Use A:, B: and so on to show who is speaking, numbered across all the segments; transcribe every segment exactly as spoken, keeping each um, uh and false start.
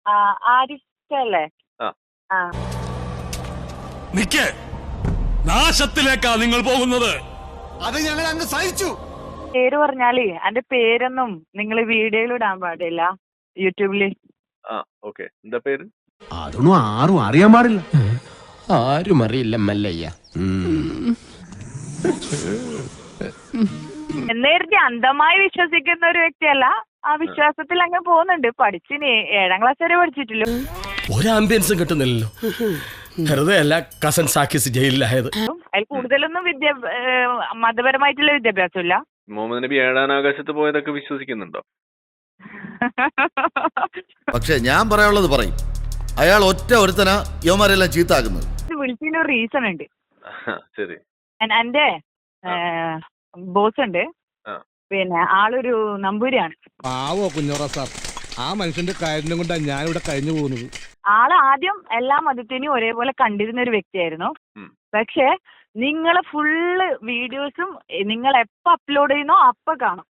A: ആ, ആരിഫല്ലേ?
B: ആ
A: ആ
C: നിക്ക്, നാശത്തിലേക്കാ നിങ്ങൾ പോകുന്നത്.
D: അത് ഞങ്ങൾ അങ്ങ് സഹിച്ചു.
A: പേര് പറഞ്ഞാലേ എന്റെ പേരൊന്നും നിങ്ങൾ വീഡിയോയിൽ ഇടാൻ പാടില്ല യൂട്യൂബില്.
B: ആ ഓക്കെ. എന്താ പേര്?
D: അതൊന്നും ആരും അറിയാൻ പാടില്ല.
E: ആരും അറിയില്ല മല്ലയ്യ.
A: എന്നേരത്തെ അന്ധമായി വിശ്വസിക്കുന്ന ഒരു വ്യക്തിയല്ല. ആ വിശ്വാസത്തിൽ അങ്ങ് പോകുന്നുണ്ട്. പഠിച്ചിന് ഏഴാം ക്ലാസ് വരെ പഠിച്ചിട്ടില്ല.
C: ഒരു ആംബിയൻസും കിട്ടുന്നില്ലല്ലോ. വെറുതെ അല്ല കസൻ സാക്കിസ് ജയിലിലായത്.
A: അതിൽ കൂടുതലൊന്നും വിദ്യ മതപരമായിട്ടുള്ള വിദ്യാഭ്യാസം ഇല്ല.
B: മുഹമ്മദ് നബി ഏഴാം ആകാശത്ത് പോയതൊക്കെ വിശ്വസിക്കുന്നുണ്ടോ?
F: പക്ഷെ ഞാൻ പറയാനുള്ളത് പറയും. അയാൾ ഒറ്റ ഒരുത്തനാ യവന്മാരെല്ലാം ചീത്താക്കുന്നത്.
A: വിളിച്ചതിന് ഒരു റീസൺ ഉണ്ട്.
B: ശരി.
A: എന്റെ ബോസ് ഉണ്ട്, പിന്നെ ആളൊരു നമ്പൂരിയാണ്.
D: പാവോ കുഞ്ഞോറ സാർ, ആ മനുഷ്യന്റെ കാര്യം കൊണ്ടാണ് ഞാൻ ഇവിടെ കഴിഞ്ഞു പോകുന്നത്.
A: ആള് ആദ്യം എല്ലാ മതത്തിനെയും ഒരേപോലെ കണ്ടിരുന്ന ഒരു വ്യക്തിയായിരുന്നു. പക്ഷെ നിങ്ങളെ ഫുള്ള് വീഡിയോസും നിങ്ങൾ എപ്പോ അപ്ലോഡ് ചെയ്യുന്നോ അപ്പൊ കാണും.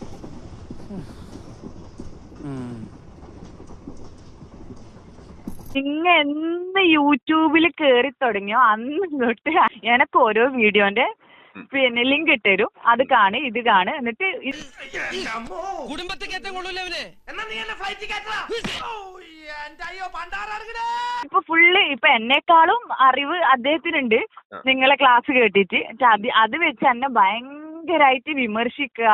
A: നിങ്ങ എന്ന് യൂട്യൂബിൽ കേറി തുടങ്ങിയോ അന്ന് തൊട്ട് എനക്ക് ഓരോ വീഡിയോന്റെ പിന്നെ ലിങ്ക് ഇട്ടുതരും. അത് കാണ്, ഇത് കാണ്, എന്നിട്ട് ഇപ്പൊ ഫുള്ള് ഇപ്പൊ എന്നെക്കാളും അറിവ് അദ്ദേഹത്തിനുണ്ട് നിങ്ങളെ ക്ലാസ് കേട്ടിട്ട്. അത് അത് വെച്ച് എന്നെ ഭയങ്കരായിട്ട് വിമർശിക്കുക.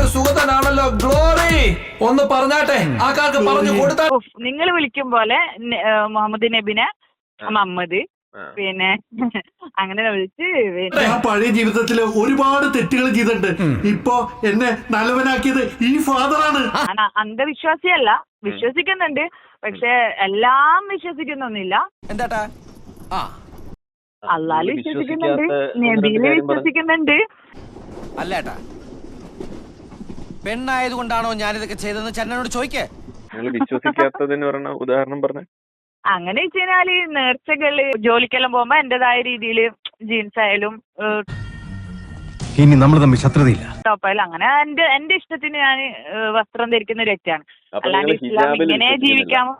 G: ഒന്ന് പറഞ്ഞാട്ടെ,
A: നിങ്ങൾ വിളിക്കും പോലെ മുഹമ്മദ് നബിനെ മുഹമ്മദ് പിന്നെ അങ്ങനെ വിളിച്ച്
G: പഴയ ജീവിതത്തില് ഒരുപാട് തെറ്റുകൾ ചെയ്തിട്ടുണ്ട്. ഇപ്പൊ എന്നെ നല്ലവനാക്കിയത് ഈ ഫാദറാണ്.
A: അന്ധവിശ്വാസിയല്ല, വിശ്വസിക്കുന്നുണ്ട്. പക്ഷെ എല്ലാം വിശ്വസിക്കുന്നൊന്നുമില്ല.
E: എന്താട്ടാ?
A: അള്ളാല് വിശ്വസിക്കുന്നുണ്ട്, നബിയില് വിശ്വസിക്കുന്നുണ്ട്.
E: അല്ലേട്ടാ, പെണ്ണായത് കൊണ്ടാണോ ഞാനിതൊക്കെ ചെയ്തതെന്ന് ചന്നനോട് ചോദിക്കേ.
B: നിങ്ങൾ വിശ്വസിക്കാത്തതിന് പറഞ്ഞ ഉദാഹരണം പറഞ്ഞ.
A: അങ്ങനെ വെച്ച് കഴിഞ്ഞാല് നേർച്ചകള് ജോലിക്കെല്ലാം പോകുമ്പോ എന്റേതായ രീതിയില് ജീൻസ് ആയാലും
D: ഇനി നമ്മൾ തമ്മിൽ ശത്രുതയില്ല.
A: ടോപ്പായാലും അങ്ങനെ എന്റെ എന്റെ ഇഷ്ടത്തിന് ഞാൻ വസ്ത്രം ധരിക്കുന്ന ഒരു വ്യക്തിയാണ്. അല്ലാണ്ട് ഇസ്ലാം ഇങ്ങനെ ജീവിക്കാമോ?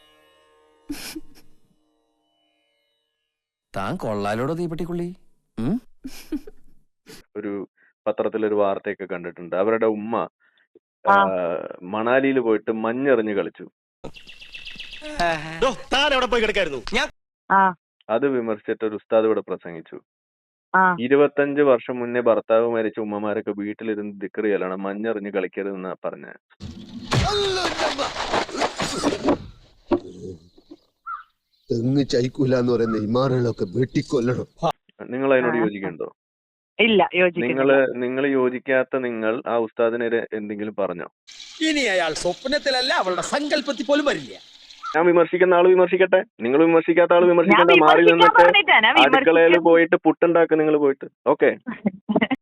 E: താൻ കൊള്ളാലോടോ തീപ്പെട്ടിക്കുള്ളി.
B: ഒരു പത്രത്തിലൊരു വാർത്തയൊക്കെ കണ്ടിട്ടുണ്ട്. അവരുടെ ഉമ്മ മണാലിയിൽ പോയിട്ട് മഞ്ഞെറിഞ്ഞ് കളിച്ചു. അത് വിമർശിച്ചിട്ട് ഒരു ഉസ്താദ് ഇവിടെ പ്രസംഗിച്ചു. ഇരുപത്തഞ്ച് വർഷം മുന്നേ ഭർത്താവ് മരിച്ച ഉമ്മമാരൊക്കെ വീട്ടിലിരുന്ന് ദിക്ർ ചെയ്യലാണ്, മഞ്ഞെറിഞ്ഞ് കളിക്കരുതെന്നാ പറഞ്ഞ.
F: തെങ്ങ് ചൈക്കൂല എന്ന് പറയുന്ന ഇമാറുകളൊക്കെ വെട്ടിക്കൊല്ലണം.
B: നിങ്ങൾ അതിനോട് യോജിക്കുന്നുണ്ടോ?
A: ഇല്ല,
B: നിങ്ങള് നിങ്ങൾ യോജിക്കാത്ത നിങ്ങൾ ആ ഉസ്താദിനെതിരെ എന്തെങ്കിലും പറഞ്ഞോ?
E: ഇനി അയാൾ സ്വപ്നത്തിലല്ല അവളുടെ സങ്കല്പത്തിൽ പോലും വരില്ല.
B: ഞാൻ വിമർശിക്കുന്ന ആള് വിമർശിക്കട്ടെ, നിങ്ങൾ വിമർശിക്കാത്ത ആള് വിമർശിക്കട്ടെ. മാറി നിന്നിട്ട് അടുക്കളയിൽ പോയിട്ട് പുട്ടുണ്ടാക്കുക നിങ്ങൾ പോയിട്ട്. ഓക്കെ.